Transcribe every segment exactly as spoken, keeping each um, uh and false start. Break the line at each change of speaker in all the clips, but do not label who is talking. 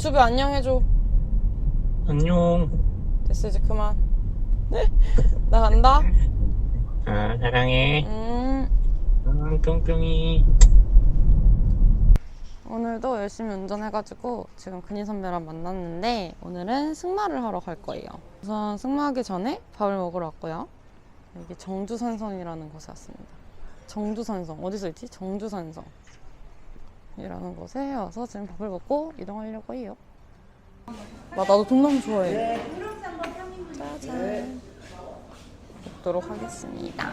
유튜브 안녕해줘.
안녕.
됐어, 이제 그만. 네? 나 간다.
아, 사랑해.
음.
응, 뿅뿅이.
오늘도 열심히 운전해가지고 지금 근희 선배랑 만났는데 오늘은 승마를 하러 갈 거예요. 우선 승마하기 전에 밥을 먹으러 왔고요. 여기 정주산성이라는 곳에 왔습니다. 정주산성 어디서 있지? 정주산성 이라는 곳에 와서 지금 밥을 먹고 이동하려고 해요. 나 나도 동남아 좋아해. 짜잔. 먹도록 하겠습니다.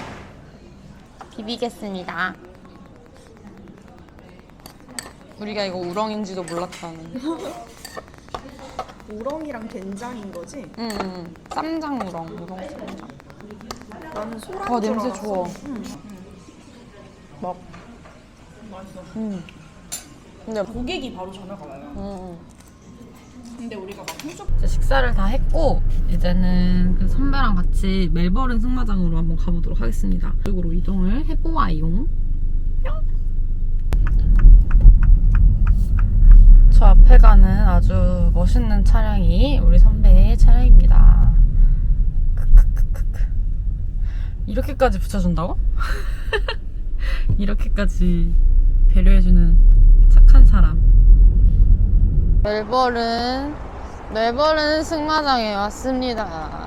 비비겠습니다. 우리가 이거 우렁인지도 몰랐다는.
우렁이랑 된장인 거지?
응, 응. 쌈장 우렁, 우렁 쌈장.
나는 소랑
아, 냄새 좋아.
응.
막.
맛있어.
응. 근데
고객이 바로 전화가 와요.
응, 응.
근데 우리가 막 홈쇼
이제 식사를 다 했고 이제는 그 선배랑 같이 멜버른 승마장으로 한번 가보도록 하겠습니다. 이쪽으로 이동을 해보아용. 저 앞에 가는 아주 멋있는 차량이 우리 선배의 차량입니다. 크크크크크. 이렇게까지 붙여준다고? 이렇게까지 배려해주는 착한 사람. 멜버른 멜버른 승마장에 왔습니다.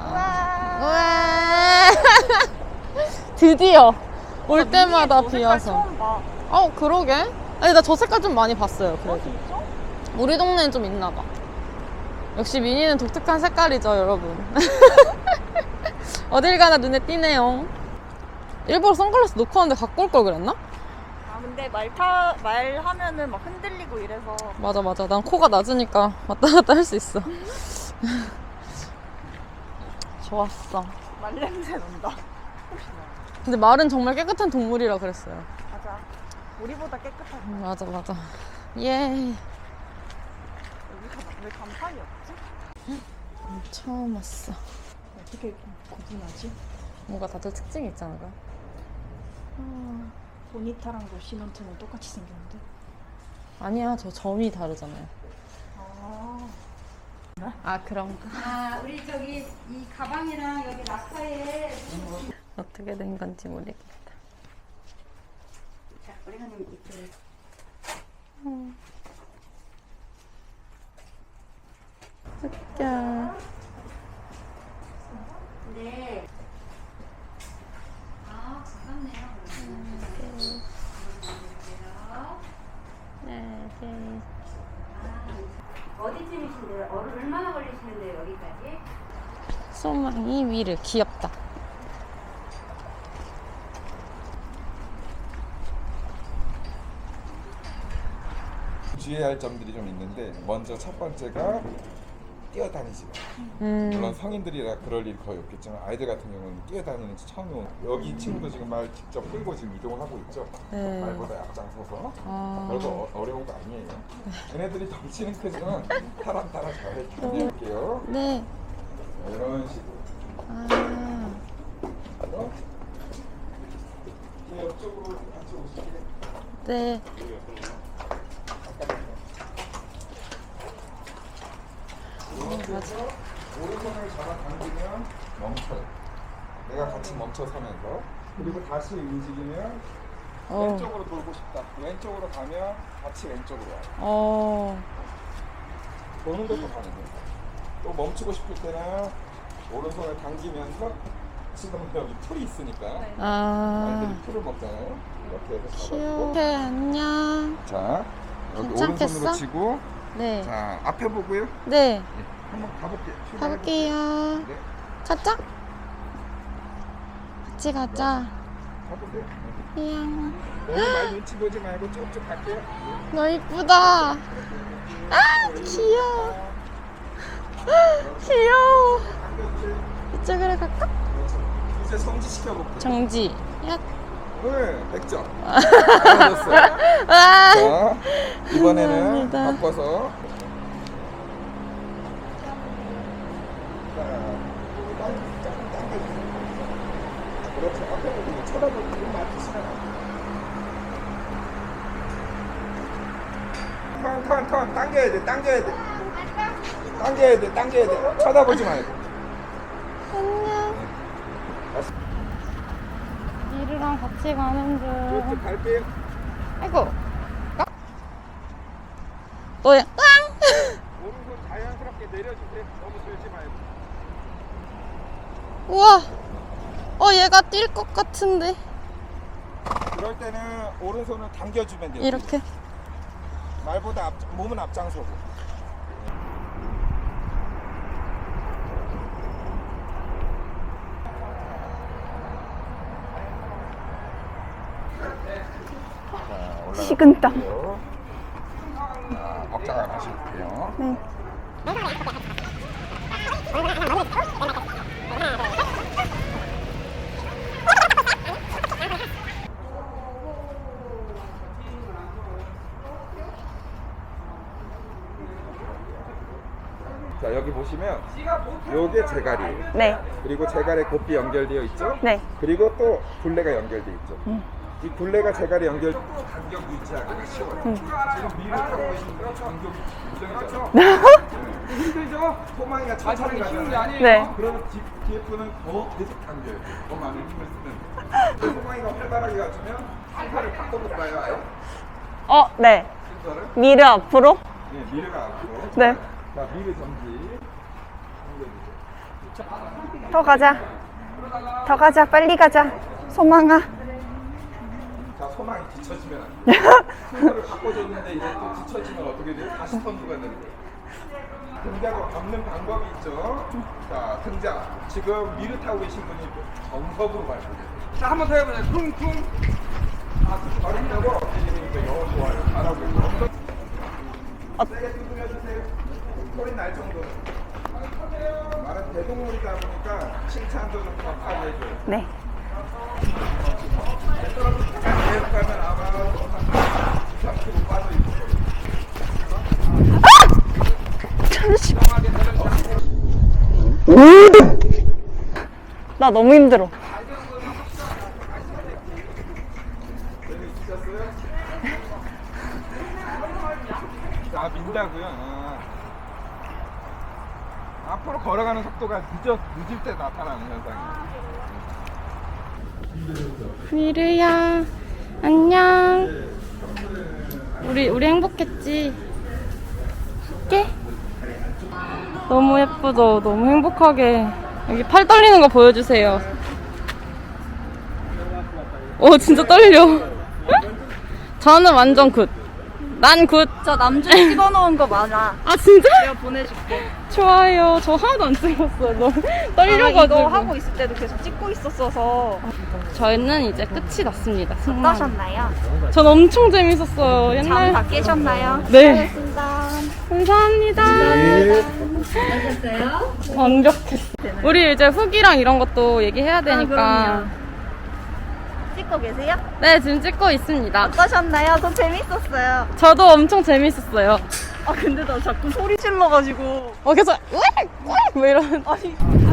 우와. 드디어 올 때마다 비와서.
처음 봐.
어, 그러게. 아니, 나 저 색깔 좀 많이 봤어요.
어,
그래도
진짜?
우리 동네는 좀 있나 봐. 역시 미니는 독특한 색깔이죠, 여러분. 어딜 가나 눈에 띄네요. 일부러 선글라스 놓고 왔는데 갖고 올 걸 그랬나?
아 근데 말 타, 말하면은 막 흔들리고 이래서
맞아, 맞아. 난 코가 낮으니까 왔다 갔다 할 수 있어. 좋았어.
말 냄새 난다. 혹시나.
근데 말은 정말 깨끗한 동물이라 그랬어요.
맞아. 우리보다 깨끗하고.
음, 맞아, 맞아. 예.
여기가 왜 간판이 없지?
처음 왔어.
어떻게 구분하지?
뭔가 다들 특징이 있잖아.
보니타랑 로시먼트는 똑같이 생겼는데.
아니야, 저 점이 다르잖아요.
아.
아, 그런가?
아, 우리 저기 이 가방이랑 여기 락커에
어떻게 된 건지 모르겠다.
자, 오래간님 이쪽에
음. 자,
네. 아, 가깝네요.
네, 네.
어디쯤이신데요? 얼- 얼마나 걸리시는데요, 여기까지?
소망이 위를 귀엽다.
주의해야 할 점들이 좀 있는데 먼저 첫 번째가 뛰어다니지 마.
음.
물론 성인들이라 그럴 일 거의 없겠지만 아이들 같은 경우는 뛰어다니는 지 처음에 온 여기 친구도 지금 말 직접 끌고 지금 이동을 하고 있죠.
네.
말보다 앞장서서
아.
별거 어, 어려운 거 아니에요. 걔네들이 덩치는 크지만 사람 따라 잘 다닐게요.
네.
이런 식으로.
아.
그래서 이 옆쪽으로 같이 오실게요.
네.
그래서 오른손을 잡아 당기면 멈춰요. 내가 같이 멈춰 서면서 그리고 다시 움직이면
어.
왼쪽으로 돌고 싶다. 왼쪽으로 가면 같이 왼쪽으로 와요.
어.
도는 것도 가능해요. 또 멈추고 싶을 때는 오른손을 당기면서 지금 여기 풀이 있으니까
아.
아이들이 풀을 먹잖아요. 이렇게 해서
귀여워.
잡아주고
네, 안녕.
자 여기
괜찮겠어?
오른손으로 치고
네.
자 앞에 보고요.
네.
한번 가볼게요.
가볼게요.
네.
가자. 같이 가자.
가보세요.
이양.
너무 많이 눈치 보지 말고 쭉쭉 갈게요.
너 이쁘다. 아, 귀여워. 귀여워. 이쪽으로 갈까?
이제 성지시켜볼게요.
정지. 야.
네, 백 점. 알아줬어요.
아.
자, 이번에는
감사합니다.
바꿔서. 그렇죠. 앞에 보고 쳐다보고 눈 맞추시면 안 돼요. 턴, 턴, 턴. 당겨야 돼, 당겨야 돼. 당겨야 돼, 당겨야 돼. 쳐다보지 말고.
안녕. 미르랑 같이 가는 중.
이쪽 갈게요.
아이고. 너야.
오른손 자연스럽게 내려주세요. 너무 들지 말고.
우와. 어, 얘가 뛸 것 같은데.
그럴 때는 오른손을 당겨주면 돼요.
이렇게.
말보다 앞, 몸은 앞장서고.
식은땀.
자, 억자가 마실게요.
네.
자, 여기 보시면 요게 제갈이에요.
네.
그리고 제갈에 곱비 연결되어 있죠?
네.
그리고 또 굴레가 연결되어 있죠. 음. 이 굴레가 제갈에 연결 간격 유지하기가 쉬워요. 음. 지금 미를 타고 계시니까 간격이 무정이죠. 힘들죠? 소망이가 천천히 가잖아요.
네.
그러면 뒤, 뒤에 분은 더 계속 당겨요. 더 많은 힘을 쓰면. 소망이가 활발하게 가주면 순서를 바꿔볼까요? 아예?
어, 네.
순서를?
미르 앞으로?
네, 미르가 앞으로.
네.
자, 미르 정지.
더 가자. 더 가자. 빨리 가자. 소망아.
자, 소망이 뒤처지면 안 돼. 순서를 바꿔줬는데 이제 또 뒤처지면 어떻게 돼? 다시 선두가 되는 거예요. 등자가 밟는 방법이 있죠. 자, 등자. 지금 미르 타고 계신 분이 정석으로 밟고 계세요. 자, 한 번 더 해보세요. 쿵쿵. 아, 그렇게 밟는다고? 이게 영어 좋아요. 잘하고 있고. 세게 두드려주세요. 소리 날 정도로. 말은 대동물이다 보니까 칭찬도 좀 격하게 해줘요.
네.
계속 가면 아마 이, 삼 킬로그램 빠져있을 거예요.
나 너무 힘들어.
아, 민다고요? 아. 앞으로 걸어가는 속도가 늦어, 늦을 때 나타나는 현상이에요.
미르야, 안녕. 우리 우리 행복했지? 할게. 너무 예쁘죠? 너무 행복하게. 여기 팔 떨리는 거 보여주세요. 오, 진짜 떨려. 저는 완전 굿. 난 굿.
저 남준 찍어놓은 거 많아.
아, 진짜?
내가 보내줄게.
좋아요. 저 하나도 안 찍었어요. 너무 떨려가지고.
아, 이거 하고 있을 때도 계속 찍고 있었어서.
저희는 이제 끝이 났습니다. 승마.
어떠셨나요?
전 엄청 재밌었어요. 옛날.
잠 다 깨셨나요?
네.
수고하셨습니다.
감사합니다.
어떠셨어요?
완벽했어. 우리 이제 후기랑 이런 것도 얘기해야 되니까.
찍고 계세요?
네, 지금 찍고 있습니다.
어떠셨나요? 저 재밌었어요.
저도 엄청 재밌었어요.
아 근데 나 자꾸 소리 질러가지고
어, 계속 으익! 뭐 이런.
아니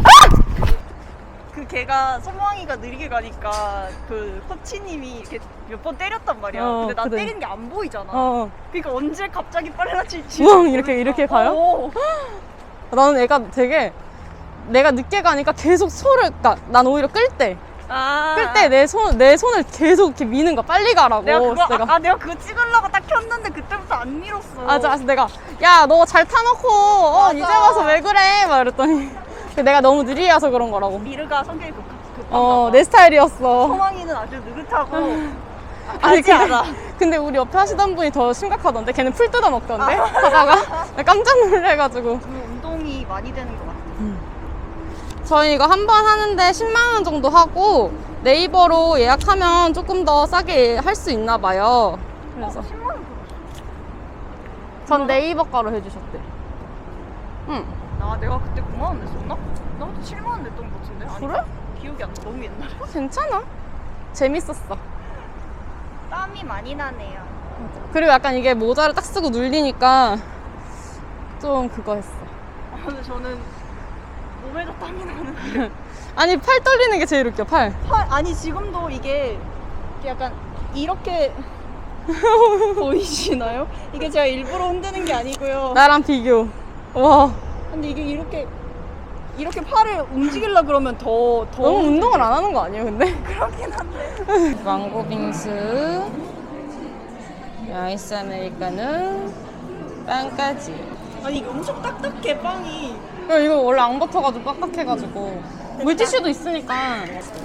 그 걔가 소망이가 느리게 가니까 그 코치님이 이렇게 몇 번 때렸단 말이야.
어,
근데 나
그래.
때리는 게 안 보이잖아.
어.
그러니까 언제 갑자기 빨라질지
우왕 이렇게 이렇게 가요?
어.
나는 애가 되게 내가 늦게 가니까 계속 소를, 그러니까 난 오히려 끌 때.
아.
끌 때 내 손, 내 손을 계속 이렇게 미는 거야. 빨리 가라고.
내가 그거
그래서 내가.
아, 아 내가 그거 찍으려고 딱 켰는데 그때부터 안 밀었어.
맞아, 그래서 내가 야, 너 잘 타놓고 어,
맞아.
이제 와서 왜 그래? 막 이랬더니 내가 너무 느리게 와서 그런 거라고.
미르가 성격이 급, 급한가
어,
봐.
내 스타일이었어.
소망이는 아주 느긋하고
아니,
가지 않아.
근데 우리 옆에 하시던 분이 더 심각하던데? 걔는 풀 뜯어 먹던데? 하다가 나 깜짝 놀래가지고.
운동이 많이 되는 것 같아.
저희 이거 한 번 하는데 십만 원 정도 하고 네이버로 예약하면 조금 더 싸게 할 수 있나 봐요. 그래서
십만 원 들었어.
전 네이버 가로 해주셨대. 응.
나 내가 그때 구만 원 냈었나? 나 그때 칠만 원 냈던 것 같은데. 아니,
그래?
기억이 안 나. 너무 옛날에.
괜찮아. 재밌었어.
땀이 많이 나네요.
그리고 약간 이게 모자를 딱 쓰고 눌리니까 좀 그거 했어.
아, 근데 저는 몸에도 땀이 나는데.
아니, 팔 떨리는 게 제일 웃겨, 팔.
팔, 아니 지금도 이게, 이게 약간 이렇게 보이시나요? 이게 제가 일부러 흔드는 게 아니고요.
나랑 비교. 와,
근데 이게 이렇게 이렇게 팔을 움직이려 그러면 더 더
너무 운동을 안 하는 거 아니에요, 근데?
그렇긴 한데.
망고 빙수, 아이스 아메리카노, 빵까지.
아니 이게 엄청 딱딱해 빵이.
야, 이거 원래 안 버터가지고 빡빡해가지고 물티슈도 있으니까.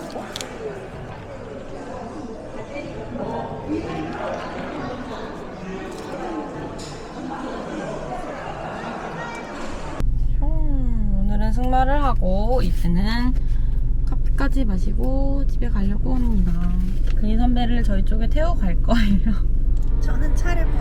음, 오늘은 승마를 하고 이제는 커피까지 마시고 집에 가려고 합니다. 근희 선배를 저희 쪽에 태우고 갈 거예요.
저는 차를